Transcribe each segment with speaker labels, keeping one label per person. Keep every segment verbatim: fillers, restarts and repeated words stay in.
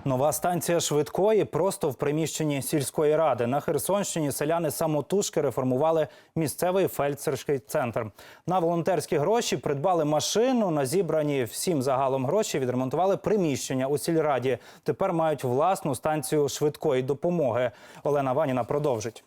Speaker 1: Нова станція швидкої просто в приміщенні сільської ради. На Херсонщині селяни самотужки реформували місцевий фельдшерський центр. На волонтерські гроші придбали машину, на зібрані всім загалом гроші відремонтували приміщення у сільраді. Тепер мають власну станцію швидкої допомоги. Олена Ваніна продовжить.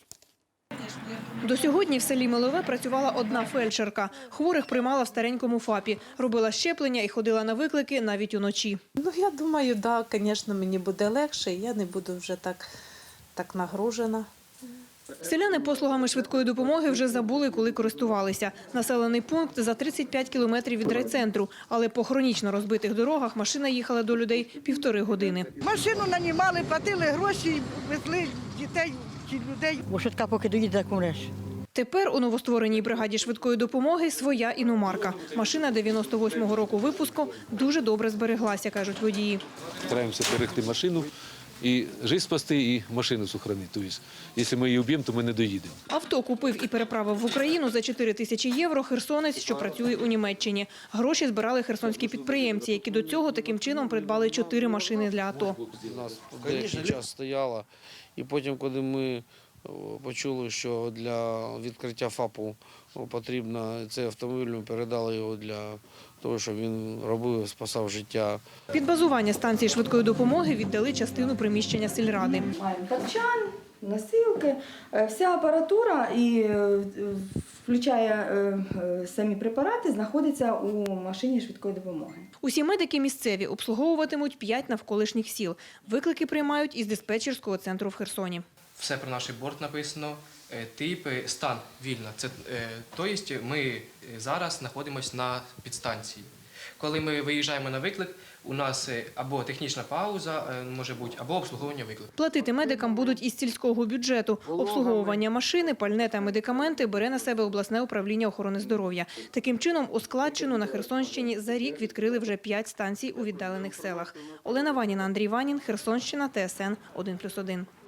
Speaker 2: До сьогодні в селі Милове працювала одна фельдшерка. Хворих приймала в старенькому ФАПі. Робила щеплення і ходила на виклики навіть уночі.
Speaker 3: Ну, я думаю, да, звісно, мені буде легше, я не буду вже так, так нагружена.
Speaker 2: Селяни послугами швидкої допомоги вже забули, коли користувалися. Населений пункт за тридцять п'ять кілометрів від райцентру. Але по хронічно розбитих дорогах машина їхала до людей півтори години.
Speaker 4: Машину нанімали, платили гроші, везли дітей чи людей.
Speaker 5: Бо швидка поки доїде, так
Speaker 2: Тепер у новоствореній бригаді швидкої допомоги своя іномарка. Машина дев'яносто восьмого року випуску дуже добре збереглася, кажуть водії.
Speaker 6: Стараємося берегти машину і життя спасти, і машину сохранити. Тобто, якщо ми її вб'ємо, то ми не доїдемо.
Speaker 2: Авто купив і переправив в Україну за чотири тисячі євро херсонець, що працює у Німеччині. Гроші збирали херсонські підприємці, які до цього таким чином придбали чотири машини для АТО.
Speaker 7: У нас деякий час стояла, і потім, коли ми почули, що для відкриття ФАПу потрібно цей автомобіль, ми передали його для того, щоб він робив, спасав життя.
Speaker 2: Під базування станції швидкої допомоги віддали частину приміщення сільради.
Speaker 8: Маємо тапчан, носилки, вся апаратура, і включає самі препарати, знаходиться у машині швидкої допомоги.
Speaker 2: Усі медики місцеві обслуговуватимуть п'ять навколишніх сіл. Виклики приймають із диспетчерського центру в Херсоні.
Speaker 9: Все про наш борт написано, тип, стан вільно. Це, тобто ми зараз знаходимося на підстанції. Коли ми виїжджаємо на виклик, у нас або технічна пауза може бути, або обслуговування виклику.
Speaker 2: Платити медикам будуть із сільського бюджету. Обслуговування машини, пальне та медикаменти бере на себе обласне управління охорони здоров'я. Таким чином, у складчину на Херсонщині за рік відкрили вже п'ять станцій у віддалених селах. Олена Ваніна, Андрій Ванін, Херсонщина, Т С Н один плюс один.